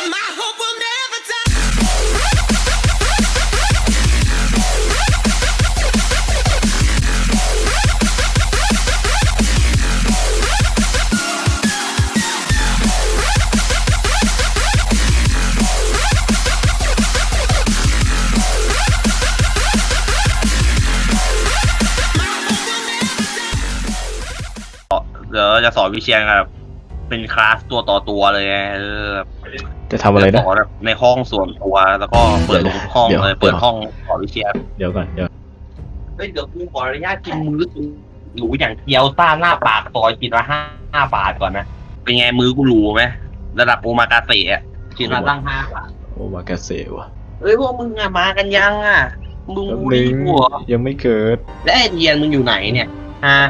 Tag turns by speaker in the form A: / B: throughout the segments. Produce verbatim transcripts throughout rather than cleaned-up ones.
A: เดี๋ยวจะสอนวิเชียนครับเป็นคลาสตัวต่อตัวเลยเออ
B: จะทำอะไรนะ
A: สอนแบบในห้องส่วนตัวแล้วก็เปิดห้องเลยเปิดห้องสอนวิเชียน
B: เดี๋ยวก่อนเดี๋ยว
A: เฮ้ยเดี๋ยวกูขออนุญาตกินมื้อหรูอย่างเกี๊ยวซ่าหน้าปากซอยกินละห้าห้าบาทก่อนนะเป็นไงมื้อกูหรูไหมระดับโอมากาเสะกินละตั้งห้าบาท
B: โอมากาเสะวะ
A: เอ้ยพวกมึงอะมากันยังอะมึงรู้ดิหัว
B: ยังไม่เกิด
A: และไอเดียนมึงอยู่ไหนเนี่ยฮะ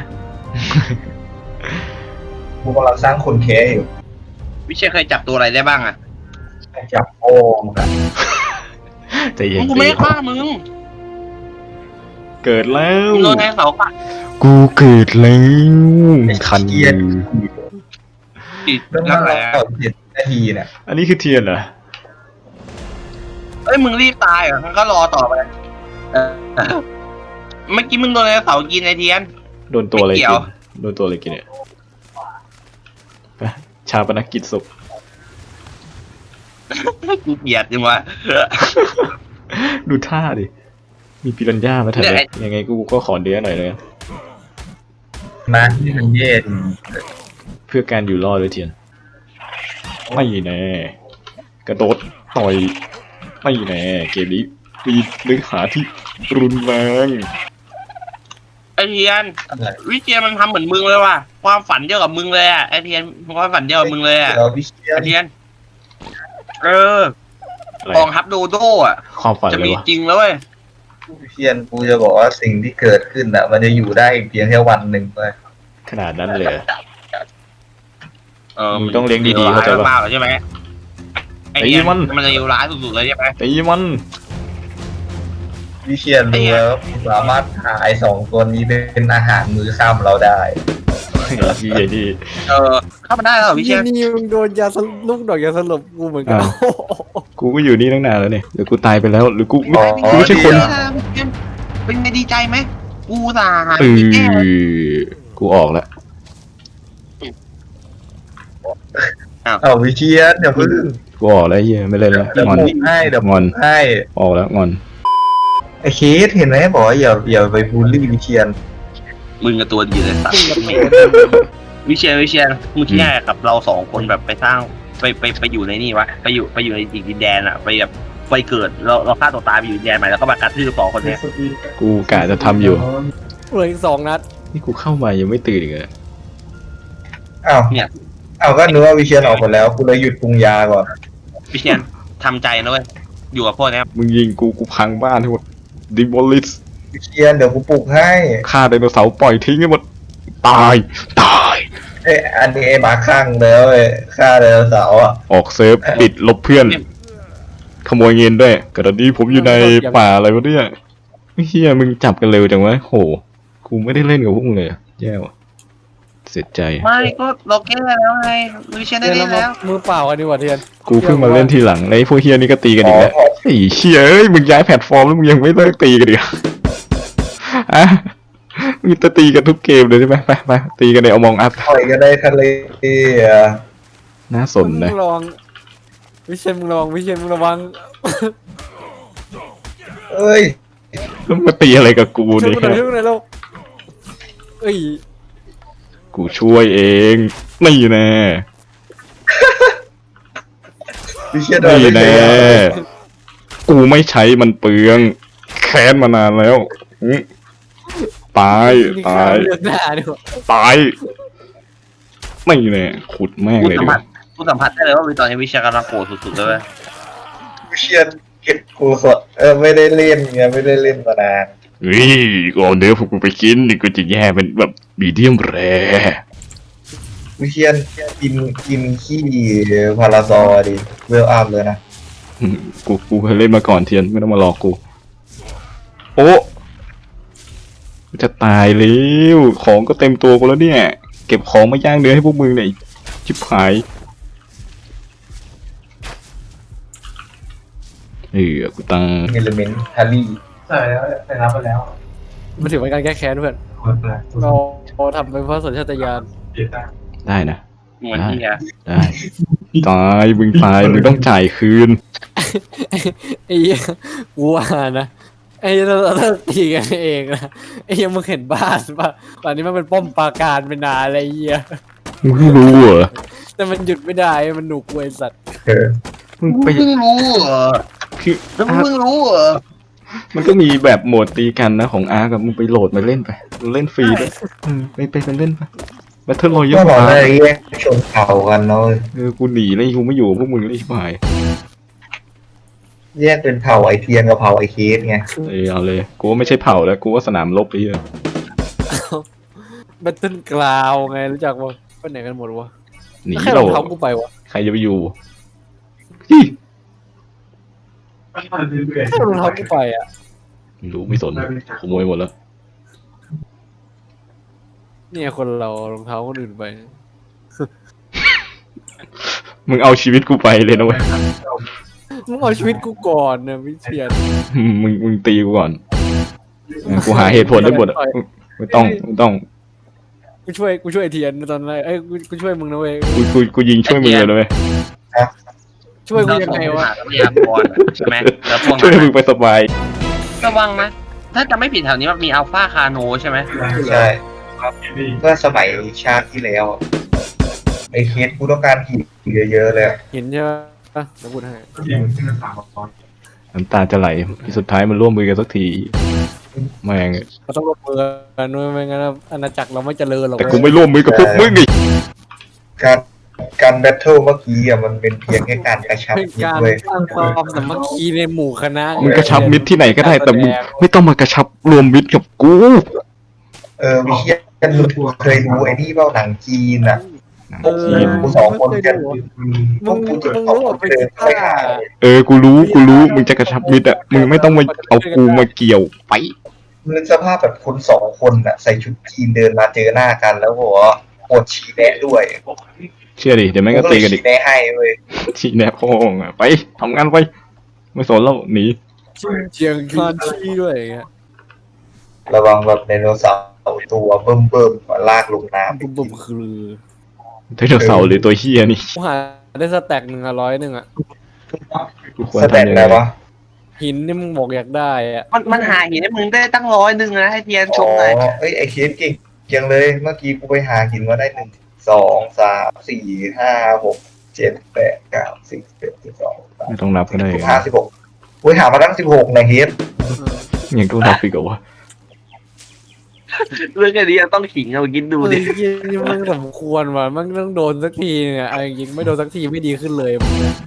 C: กูกำลังสร้างคนแค่อยู่
A: วิเชียนเคยจับตัวอะไรได้บ้างอะ
C: จับโอ่งกัน
B: ใจเย็น
A: กูไม่ฆ่ามึง
B: เกิดแล้ว
A: โดนแทงเสาปะ
B: กูเกิดแล้วคันยืน
A: ติด
C: ตั้งแต่เจ็ดนาทีเนี่ย
B: อันนี้คือเทียนเหรอ
A: เอ้ยมึงรีบตายเหรอมันก็รอต่อไปเออเมื่อกี้มึงโดนเสากินไอเทียน
B: โดนตัวอะไรกินโดนตัวอะไรกินเนี่ยชาปนกิจศพ
A: กูเกลียดจริงวะ
B: ดูท่าดิมีปิรันย่ามาแทนยังไงกูก็ขอเดือหน่อยเลย
C: มาที่มันเย็น
B: เพื่อการอยู่รอดเลยเทียนไม่แน่กระโดดต่อยไม่แน่เกมนี้มีเนื้อหาที่รุนแรง
A: ไอเทียนวิเชียนมันทำเหมือนมึงเลยว่ะความฝันเดียวกับมึงเลยอ่ะไอเทียนความฝันเดียวกับมึงเลยอ่ะไอเทียนเออกองทัพโดโด้อ่ะ
B: ความฝัน
A: จะมีจริงแล้วเว้ย
C: วิเชียนกูจะบอกว่าสิ่งที่เกิดขึ้นอ่ะมันจะอยู่ได้เพียงแค่วันหนึ่งเลย
B: ขนาดนั้นเลย
A: เออ
B: มึงต้องเลี้ยงดีๆเข้าใจป่ะ
A: ใช่ไหมไอเทียนมันจะอยู่ร้ายสุดๆเลยใช่ไหม
B: ตีมัน
C: วิเชียนรู้แล้วสามารถหาไอ้สองตัวนี้เป็นอาหารมื้อค่ำเราได้
B: ดีใหญ่ดี
A: เออเข้ามาได้แล้ววิเชียน
D: นี่มึงโดนยาลูกดอกยาสลบกูเหมือนกัน
B: กูก็อยู่นี่ตั้งนานแล้วเนี่ยหรือกูตายไปแล้วหรือกูไม่กูไม่ใช่คน
A: เป็นไงดีใจไหมกูตาย
B: เออกูออกแล้ว
C: อ้าววิเชียนเดี๋ยวพึ่ง
B: กูออกแล้วเฮียไม่เล่นแล้ว
C: งอนให้เดี๋ยวงอนให้
B: ออกแล้วงอน
C: ไอเคสเห็นไหมบอกว่าอย่าอย่าไปบูลลี่วิเชียน
A: มึงกับตัวดีเลยสัตว์วิเชียนวิเชียนมึงแค่กับเราสองคนแบบไปสร้างไปไปไปอยู่ในนี่วะไปอยู่ไปอยู่ในดินแดนอะไปแบบไปเกิดเราเราฆ่าตัวตายไปอยู่ดินแดนใหม่แล้วก็มากระทืบสองคนเนี้ย
B: กูกะจะทำอยู่
D: เหลืออีกสองนัด
B: นี่กูเข้ามายังไม่ตื่นอีกเลย
C: อ้าวเนี่ยอ้าวก็นึกว่าวิเชียนออกหมดแล้วกูเลยหยุดปรุงยาก่อน
A: วิเชียนทำใจนะเว้ยอยู่กับพวกนี้
B: มึงยิงกูกูพังบ้านทั้งหมดดิบอลิส
C: วิเชียนเดี๋ยวกูปลุกให้
B: ฆ่าไดโนเสาร์ปล่อยทิ้งให้หมดตายตาย
C: เอ้อันนี้ไอ้หมาข้างแล้วเว้ยฆ่าไดโนเสาร์อ่ะ
B: ออกเซิร์ฟปิดลบเพื่อนขโมยเงินด้วยกระดี้ผมอยู่ในป่าอะไรวะเนี่ยเฮียมึงจับกันเร็วจังวะโหกูไม่ได้เล่นกับพวกมึงเลยแย่ว่ะเสียใจ
A: ไม่ก็เราแก้แล้วไงวิเชียนได้เล่นแล้ว
D: มือเปล่ากันดีกว่าเทียน
B: กูเพิ่งมาเล่นทีหลังไอ้พวกเฮียนี่ก็ตีกันอีกแล้วไอ้เชี่ยเอ้ยมึงย้ายแพลตฟอร์มแล้วมึงยังไม่เลิกตีกันดิอ่ะมึงจะตีกันทุกเกมเลยใช่ไหมไปไปตีกันในเอามองอัพ
C: ต่อยกันได้ทะเลอ่ะ
B: น่าสนนะ
D: ระวังวิเชียนมึงระวังวิเชียนมึงระวัง
C: เอ้ย
B: มึงมาตีอะไรกับกูเนี่ย
D: ช่วยหน่อยแล้วเอ้ย
B: กูช่วยเองไม่แน่ไม่แน่กูไม่ใช้มันเปลืองแค้นมานานแล้วตายตายตายไม่แน่ขุดแม่งเลยดิ
A: กูสัมผัสได้เลยว่าตอนนี้วิเชียนกำลังโกรธสุดๆเลย
C: วิเชียนเก็บกูสดเออไม่ได้เล่นไงไม่ได้เล่นมานาน
B: เฮ้ยก่อนเดี๋ยวพวกกูไปกินนี่กูจะแย่เป็นแบบมีเดียมแร
C: วิเชียนกินกินขี้พาราซอดิเวลอัพเลยนะ
B: กูกูเคยเล่นมาก่อนเทียนไม่ต้องมาหลอกกูโอ้จะตายแล้วของก็เต็มตัวกูแล้วเนี่ยเก็บของมาย่างเนื้อให้พวกมึงเนี่ยชิบหายเออกูตั้ง
C: เอลเมนต์ฮารี่
E: ใช่แล้วไปรับไปแล้ว
D: มันถือเป็นการแก้แค้นเพื่อนเราเราทำไปเพราะสัญชาตญาณ
E: เดี๋ยวได้
B: ได้นะ
A: เหมือนที่อะ
B: ได้ตายมึงตายมึงต้องจ่ายคืน
D: ไอ้เหี้ยกูว่านะไอ้เหี้ยเราเราตีกันเองนะไอ้เหี้ยมึงเห็นบ้านป่ะป่านนี้มันเป็นป้อมปราการเป็นนานอะไรเหี้ย
B: มึงเพิ่งรู้เหรอ
D: แต่มันหยุดไม่ได้มันหนุกเว้ยสัตว์
C: เออ
B: มึง
A: มึง
B: ไป
A: เพิ่งรู้เหรอ
B: คือ
A: แล้วมึง
B: อาร์ค
A: เพิ่งรู้เหรอ
B: มันก็มีแบบโหมดตีกันนะของอาร์กับมึงไปโหลดมาเล่นไปเล่นฟรีด้วยอืมไปไปไปเล่นไปแบทเทิลรอยั
C: ก็
B: ล
C: บอก
B: อา
C: ว่า
B: ร์
C: แยกชนเผ่ากันเนาะ
B: เออกูหนีเลยกูไม่อยู่กับพวกมึงเลยชิบหาย
C: แยกเป็นเผ่าไอเทียนกับเผ่าไอเคสไง
B: เออเอาเลยกูว่าไม่ใช่เผ่าแล้วกูว่าสนามรบไปเหี้ย
D: แบตเทิลกราวไงรู้จักป่ะไปไหนกันหมดวะ
B: หนี
D: แล้วใครร
B: เรา
D: องเท้ากูไปวะ
B: ใครจะไปอยู่ฮิ
E: เรื่อย
D: ใครรองเท้ากูไปอ่ะ
B: ไม่รู้ไม่สนขโมยหมดแล้ว
D: เนี่ยคนเรารองเท้าคนอื่นไป
B: มึงเอาชีวิตกูไปเลยนะเว้ย
D: มึงเอาชีวิตกูก่อนนะวิเชียน
B: มึงมึงตีกูก่อนเออกูหาเหตุผลได้หมดอะไม่ต้องไม่ต้อง
D: กูช่วยกูช่วยไอ้เทียนตอนนั้นเอ้ยกูกูช่วยมึงนะเว้ย
B: กูกูกูยิงช่วยมึงเลยนะเว้ย
D: ช่วยกู
A: เรา
D: ยัง
A: ส่ง
D: ไง
A: ไป
D: วะ
A: หาทรัพยากรอะใช่ไหมแล้วพวก
B: ช่วย
A: นั้น
B: มึงไปสบาย
A: ระวังนะถ้าจะไม่ผิดแถวนี้มันมีอัลฟาคาโนใช่ไหม
C: ใช่เมื่อสมัยชาติที่แล้ว ไอเคสกูต้องการหินเยอะๆเลย
D: เห็นใช่ปะอ่ะเดี๋ยวพูดให้
E: ๆที่มันที่มันสามตอน
B: น้ำตาจะไหลที่สุดท้ายมันร่วมมือกันสักทีแม่ง
D: เราต้องร่วมมือกันด้วยไม่งั้นอาณาจักรเราไม่เจริญหรอก
B: แต่
D: เว้ย
B: กูไม่ร่วมมือกับพวกมึงอีก
C: การการแบทเทิลเมื่อกี้อ่ะมันเป็นเพียงแค่การกระชับ
D: เป็น
C: มิต
D: การ
C: รเว้ย
D: สร้างความสามัคคีในหมู่คณะ
B: มึงกระชับมิตรที่ไหนก็ได้แต่มึงไม่ต้องมากระชับรวมมิตรกับกู
C: เออวิเชียนเคยดูไอ้นี่เปล่าหนังจีนอ่ะ
D: เออ
C: กูสองคน
D: ไม่เค
C: กั
D: ย
C: น
D: ดูอะ
C: พวกกูจะ
D: มึง
C: สอง
D: รู้
C: ค
D: ว่าน เป็น
C: เดิน
D: ท่า
C: ไปหา
B: เออกูรู้กูรู้มึงจะกระชับมิตรอ่ะมึงไม่ต้องมาเอากูมาเกี่ยวไป
C: นึกสภาพแบบคนสองคนอ่ะใส่ชุดจีนเดินมาเจอหน้ากันแล้วบอกว่าปวดฉี่แนะด้วย
B: เชื่อดิเดี๋ยวแม่งก็
C: กู
B: ตี
C: เลย
B: กันอี
C: ฉี่
B: ก
C: แนะให้เว้ย
B: ชี้แนบพ่องอ่ะไปทำงานไป ไม่สนแล้วหนี
D: เชียงคานชี้ด้วยอย่างเงี้ย
C: ระวังแบบไดโนเสาร์ตัวเบิ่มเบิ่มๆมาลากลงน้ำ
D: บุบบุบคือ
B: ไดโนเสาร์หรือตัวเฮียนี่
D: กูหาได้สแต็กหนึ่งอะร้อยหนึ่งอะ
B: กูควร
C: สแตน
B: ทำยัง
C: อะไร
B: ไง
C: วะ
D: หินนี่มึงบอกอยากได้อะ
A: มันมันหาหินให้มึงได้ตั้งร้อยหนึ่งนะให้เทียนช
C: อ๋อ
A: มหน่อย
C: เอ้ยไอเคสเก่งจังเลย เมื่อกี้กูไปหาหินมาได้หนึ่งสองสามสี่ห้าหกเจ็ดแปดเก้าสิบเอ็ดสิบสอง
B: ไม่ต้องนับก็ได้
C: สิบห้าสิบหกกูหามาตั้งสิบหกนะเฮด
B: ยังต้องนับอีกเหรอวะ
A: เรื่องแค่นี้ยังต้องขิงเอากินดู
D: ดู
A: ดิ
D: ดิยี่มันสมควรว่ะมันต้องโดนสักทีเนี่ยเอาจริงๆไม่โดนสักทีไม่ดีขึ้นเลยมึงเนี่ย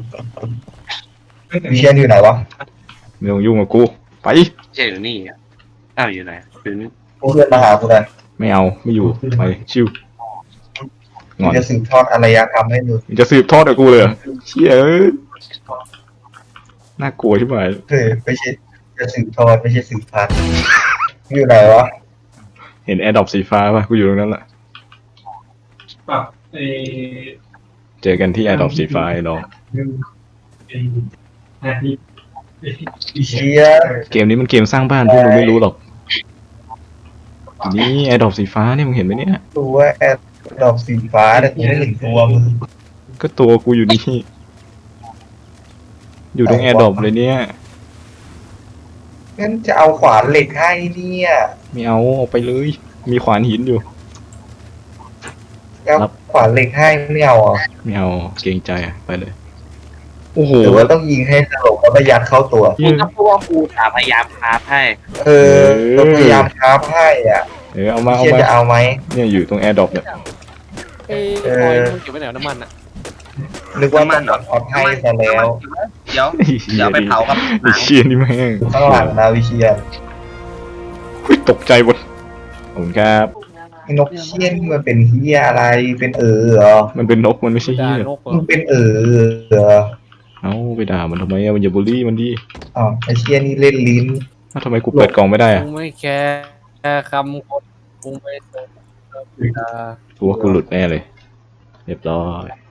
C: วิเชียนอยู่ไหนวะ
B: ไม่ต้องยุ่งกับกูไป
A: ใช่อยู่นี่อะอ้าวอยู่ไหนอยู่นี่
C: กูเพื่อนมาหากูหน่อย
B: ไม่เอาไม่อยู่ไปชิวง
C: กู
B: อน
C: จะสืบทอดอารยธรรมให้มึง
B: มึงจะสืบทอดกับกูเลยเหรอเชี่ยเอ้ยน่ากลัวใช่ไหม
C: เออไม่ใช่จะสืบทอดไม่ใช่สืบพันธุ์อยู่ไหนวะ
B: เห็นแอร์ดรอปสีฟ้าป่ะกูอยู่ตรงนั้นแหละ
E: ปรับไอ้
B: เจอกันที่แอร์ดรอปสีฟ้าไอ้น้อง
E: ไอ้นาที
C: วิเชียน
B: เกมนี้มันเกมสร้างบ้านพวกมึงไม่รู้หรอกนี่แอร์ดรอปสีฟ้านี่มึงเห็นไหมเนี่ย
C: ตัวแอดดอกสีฟ้าแต่กูไม่เห็นตัวมึง
B: ก็ตัวกูอยู่นี่อยู่ตรงแอร์ดรอปเลยเนี่ย
C: งั้นจะเอาขวานเหล็กให้เนี่ย
B: ไม่เอาออกไปเลย มีขวานหินอยู่
C: เอา
B: ครับ
C: ขวานเหล็กให้ไม่เอาเหรอ่ะ
B: ไม่เอาเกรงใจอะไปเลย โอ้โห
C: หรือว่าต้องยิงให้สลบแล้วมายัดเข้าตัว
A: มึงก็พูดว่ากูถามพยายามคราฟให้
C: เออเราพยายามคราฟให้อ่ะ
B: เออเอามาเอา
C: เชียน
B: มา
C: จะเอาไหม
B: เนี่ยอยู่ตรงแอร์ดรอปเนี่ย
D: ไอ้
C: เอ
D: อ
C: อ
D: อยมึงเก็บไว้ไหนวะน้ำมันอะ
C: นึกว่ามันออดให้ซะแล้ว
A: เดี๋ยวเดี๋ยวไปเผากับห
B: ไอ้
A: นัง
B: เชียนี่แม่ง
C: ข้างหลังนะวิเชียน
B: อุ๊ยตกใจหมดขอบคุณครับ
C: ไอ้นกเชียนมันเป็นเฮียอะไรเป็นเออเหรอ
B: มันเป็นนกมันไม่ใช่
D: ด่า
B: เหี้ย
D: นกเหรอ
C: มันเป็นเออเหรอ
B: เอ้าไปด่ามันทำไมอะมันอย่าบูลลี่มันดิ
C: อ๋อไอเชียนี่เล่นลิ้น
B: อ้าวทำไมกูเปิดกล่องไม่ได้อะ
D: กูไม่แคร์คำคนกูไม่สน
B: กูว่ากูหลุดแน่เลย เรียบร้อย